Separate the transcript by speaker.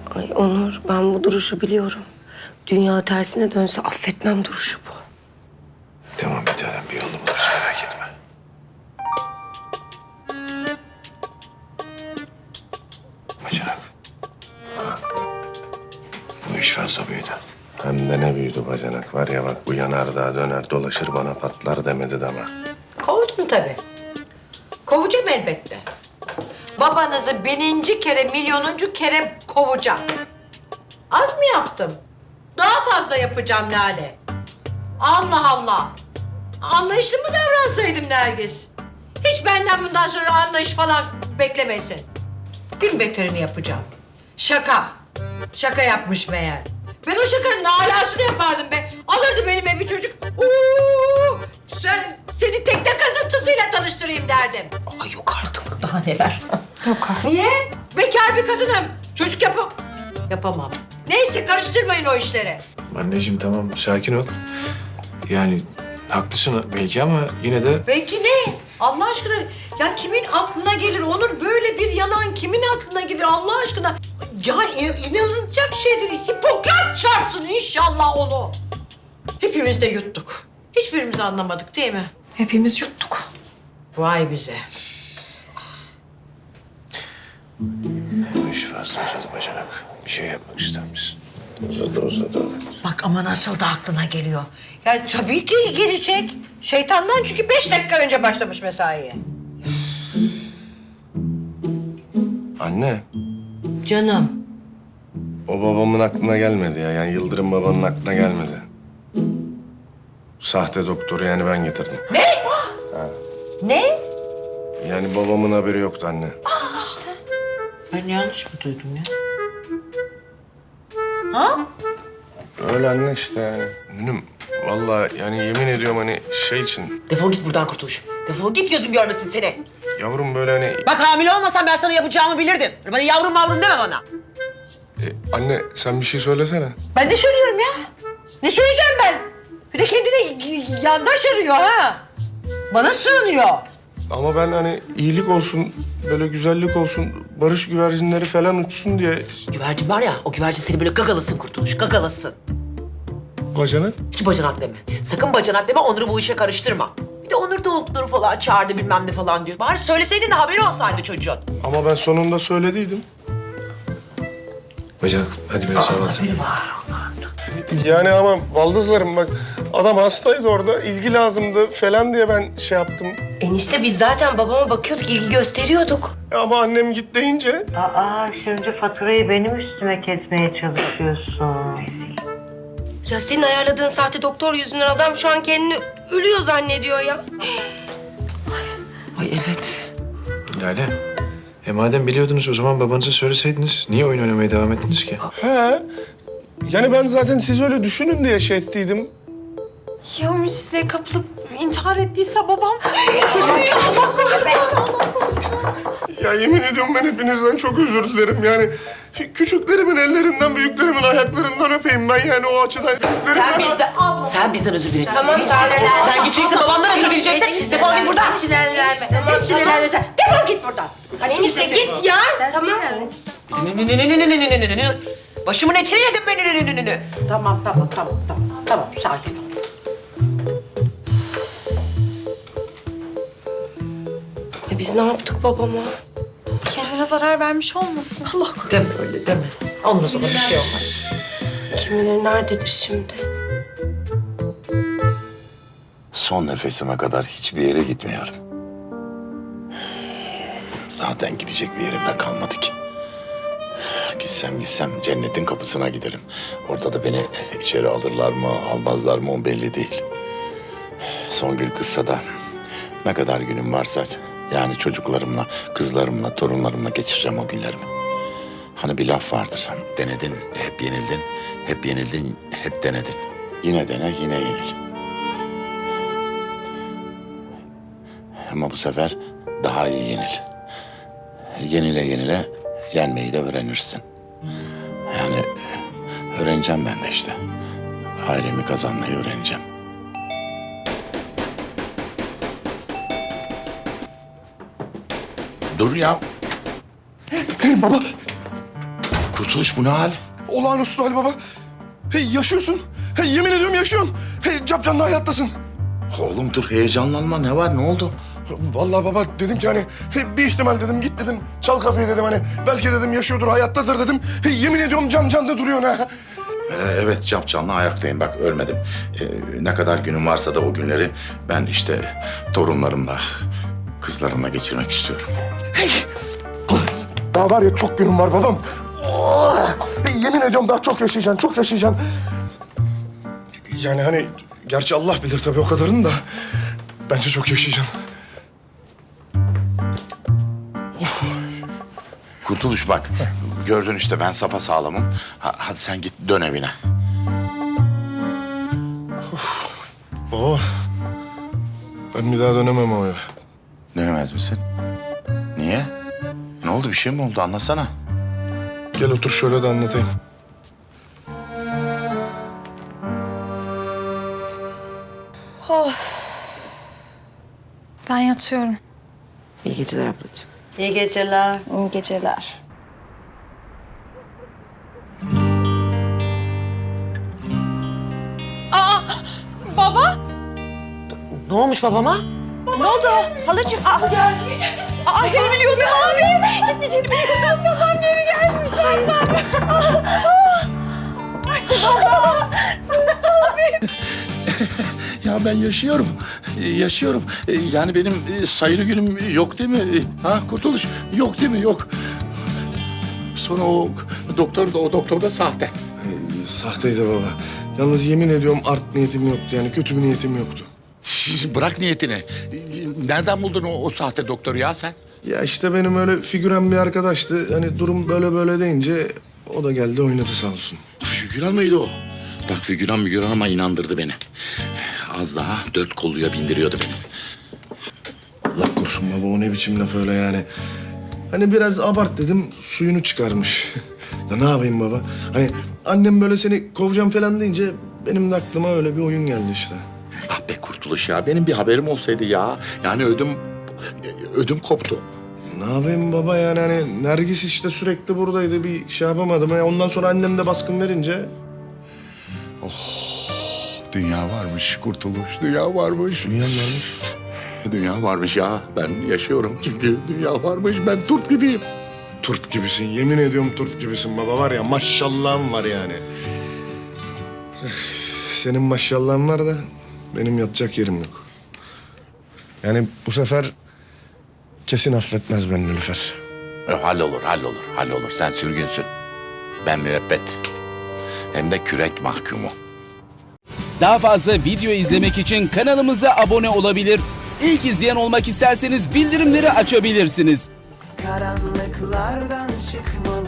Speaker 1: Ay Onur, ben bu duruşu biliyorum. Dünya tersine dönse affetmem duruşu bu.
Speaker 2: Tamam bir tanem, bir yolunu buluruz, merak etme. Bacanak. Bu iş fazla büyüdü.
Speaker 3: Hem de ne büyüdü bacanak var ya, bak bu yanardağ döner dolaşır bana patlar demedi deme.
Speaker 4: Kovdum tabii. Kovacağım elbette. Babanızı bininci kere, milyonuncu kere kovacağım. Az mı yaptım? Daha fazla yapacağım Lale. Allah Allah. Anlayışlı mı davransaydım Nergis? Hiç benden bundan sonra anlayış falan beklemesin. Bin beterini yapacağım. Şaka. Şaka yapmış meğer. Ben o şakanın alasını yapardım be. Alırdı benim evi çocuk. Seni tekne kazıntısıyla tanıştırayım derdim.
Speaker 1: Ay yok artık.
Speaker 4: Daha neler? Niye? Bekar bir kadınım. Çocuk yapamam. Neyse karıştırmayın o işleri.
Speaker 2: Anneciğim tamam, sakin ol. Yani haklısın belki ama yine de...
Speaker 4: Belki ne? Allah aşkına ya kimin aklına gelir Onur, böyle bir yalan kimin aklına gelir Allah aşkına? Ya inanılacak şeydir. Hipokrat çarpsın inşallah onu. Hepimiz de yuttuk. Hiçbirimiz anlamadık değil mi?
Speaker 1: Hepimiz yuttuk.
Speaker 4: Vay bize.
Speaker 2: Bu iş fazla uzadı bacanak. Bir şey yapmak ister misin?
Speaker 3: Uzadı.
Speaker 4: Bak ama nasıl da aklına geliyor. Ya tabii ki gelecek. Şeytandan çünkü 5 dakika önce başlamış mesaiye.
Speaker 3: Anne,
Speaker 4: Canım.
Speaker 3: o babamın aklına gelmedi ya. Yani Yıldırım babanın aklına gelmedi. Sahte doktoru yani ben getirdim.
Speaker 4: Ne?
Speaker 3: Yani babamın haberi yoktu anne.
Speaker 4: Ben yanlış mı duydum ya? Ha?
Speaker 3: Öyle anne işte yani. Nünüm, vallahi yani yemin ediyorum hani şey için...
Speaker 5: Defol git buradan Kurtuluş. Defol git, gözüm görmesin seni.
Speaker 3: Yavrum böyle hani...
Speaker 5: Bak hamile olmasam ben sana yapacağımı bilirdim. Bana yavrum mavrum deme bana.
Speaker 3: Anne sen bir şey söylesene.
Speaker 4: Ben de söylüyorum ya. Ne söyleyeceğim ben? Bir de kendine yandaş arıyor ha. Bana sığınıyor.
Speaker 3: Ama ben hani iyilik olsun, böyle güzellik olsun, barış güvercinleri falan uçsun diye...
Speaker 5: Güvercin var ya, o güvercin seni böyle gagalasın Kurtuluş, gagalasın.
Speaker 3: Bacanak.
Speaker 5: Hiç bacanak deme. Sakın bacanak deme, Onur'u bu işe karıştırma. Bir de Onur doktoru falan çağırdı bilmem ne falan diyor. Bari söyleseydin de haberi olsaydı çocuğun.
Speaker 3: Ama ben sonunda söylediydim.
Speaker 2: Bacanak hadi biraz hava alsana.
Speaker 3: Yani ama baldızlarım bak, adam hastaydı orada, ilgi lazımdı falan diye ben şey yaptım.
Speaker 1: Enişte biz zaten babama bakıyorduk, ilgi gösteriyorduk.
Speaker 3: Ama annem git deyince...
Speaker 4: Aa şimdi faturayı benim üstüme kesmeye çalışıyorsun.
Speaker 1: Ya senin ayarladığın sahte doktor yüzünden adam şu an kendini ölüyor zannediyor ya.
Speaker 5: Ay evet.
Speaker 2: Lale, madem biliyordunuz o zaman babanıza söyleseydiniz. Niye oyun oynamaya devam ettiniz ki?
Speaker 3: He. Yani ben zaten siz öyle düşünün diye şey ettiydim.
Speaker 6: Ya Ümit size kapılıp intihar ettiyse babam...
Speaker 3: Ya yemin ediyorum ben hepinizden çok özür dilerim yani. Küçüklerimin ellerinden, büyüklerimin ayaklarından öpeyim ben yani o açıdan.
Speaker 5: Sen bizden özür dile.
Speaker 1: Tamam,
Speaker 5: Sen gideceksin, babamdan özür dileyeceksin. Defol git buradan.
Speaker 4: Hiç ilerleme. Hiç ilerleme. Defol git buradan. Hadi
Speaker 1: Enişte git ya. Tamam.
Speaker 5: Başımın etini yedin beni.
Speaker 4: Tamam, sakin ol.
Speaker 1: Biz ne yaptık babama?
Speaker 6: Kendine zarar vermiş olmasın.
Speaker 5: Deme öyle deme.
Speaker 4: Olmaz ona bir şey olmaz.
Speaker 1: Kim bilir nerededir şimdi?
Speaker 7: Son nefesime kadar hiçbir yere gitmiyorum. Zaten gidecek bir yerim de kalmadı ki. Gitsem cennetin kapısına giderim. Orada da beni içeri alırlar mı, almazlar mı o belli değil. Songül kızsa da ne kadar günüm varsa yani çocuklarımla, kızlarımla, torunlarımla geçireceğim o günlerimi. Hani bir laf vardır. Denedin, hep yenildin. Hep yenildin, hep denedin. Yine dene, yine yenil. Ama bu sefer daha iyi yenil. Yenile yenile yenmeyi de öğrenirsin. Yani öğreneceğim ben de işte. Ailemi kazanmayı öğreneceğim. Dur ya.
Speaker 3: Baba.
Speaker 7: Kurtuluş bu ne hal?
Speaker 3: Olağanüstü hal baba. Hey yaşıyorsun. Hey yemin ediyorum yaşıyorsun. Hey capcanlı hayattasın.
Speaker 7: Oğlum dur heyecanlanma ne var ne oldu?
Speaker 3: Vallahi baba dedim ki hani bir ihtimal dedim git dedim çal kapıyı dedim hani belki dedim yaşıyordur hayattadır dedim. Yemin ediyorum camda duruyor ha.
Speaker 7: Evet canlı ayaktayım bak ölmedim. Ne kadar günüm varsa da o günleri ben işte torunlarımla, kızlarımla geçirmek istiyorum.
Speaker 3: Daha var ya çok günüm var babam. Oh! Yemin ediyorum daha çok yaşayacaksın, çok yaşayacaksın. Yani hani gerçi Allah bilir tabii o kadarını da bence çok yaşayacaksın.
Speaker 7: Kurtuluş bak gördün işte ben sapasağlamım. Hadi sen git dön evine.
Speaker 3: Baba ben bir daha dönemem o eve.
Speaker 7: Dönemez misin? Niye? Ne oldu bir şey mi oldu anlasana.
Speaker 3: Gel otur şöyle de anlatayım.
Speaker 6: Ben yatıyorum.
Speaker 5: İyi geceler ablacığım.
Speaker 4: İyi geceler.
Speaker 6: İyi geceler. Aa, baba.
Speaker 5: Ne olmuş babama?
Speaker 6: Ne oldu? Halacığım. Aa, geri biliyordum abi. Gitmeyeceğini biliyordum. Babam geri gelmiş annem.
Speaker 7: Ya ben yaşıyorum. Yaşıyorum. Yani benim sayılı günüm yok değil mi? Ha Kurtuluş yok değil mi? Yok. Sonra o doktor da sahte.
Speaker 3: Sahteydi baba. Yalnız yemin ediyorum art niyetim yoktu yani kötü bir niyetim yoktu.
Speaker 7: Bırak niyetini. Nereden buldun o sahte doktoru ya sen?
Speaker 3: Ya işte benim öyle figüren bir arkadaştı. Hani durum böyle deyince o da geldi oynadı sağ olsun.
Speaker 7: Figüran mıydı o? Bak figüran ama inandırdı beni. Az daha 4 kolluya bindiriyordu beni.
Speaker 3: Allah korusun baba o ne biçim laf öyle yani. Hani biraz abart dedim suyunu çıkarmış. Ya ne yapayım baba? Hani annem böyle seni kovacağım falan deyince benim de aklıma öyle bir oyun geldi işte.
Speaker 7: Ah be Kurtuluş ya benim bir haberim olsaydı ya. Yani ödüm koptu.
Speaker 3: Ne yapayım baba yani hani Nergis işte sürekli buradaydı bir şey yapamadım. Ondan sonra annem de baskın verince
Speaker 7: Dünya varmış Kurtuluş, dünya varmış.
Speaker 3: dünyam varmış.
Speaker 7: Dünya varmış ya. Ben yaşıyorum çünkü dünya varmış. Ben turp gibiyim.
Speaker 3: Turp gibisin yemin ediyorum turp gibisin baba var ya maşallahın var yani. Senin maşallahın var da benim yatacak yerim yok. Yani bu sefer kesin affetmez beni Nilüfer.
Speaker 7: Hallolur. Sen sürgünsün. Ben müebbet. Hem de kürek mahkumu.
Speaker 8: Daha fazla video izlemek için kanalımıza abone olabilir. İlk izleyen olmak isterseniz bildirimleri açabilirsiniz.
Speaker 9: Karanlıklardan çıkmalı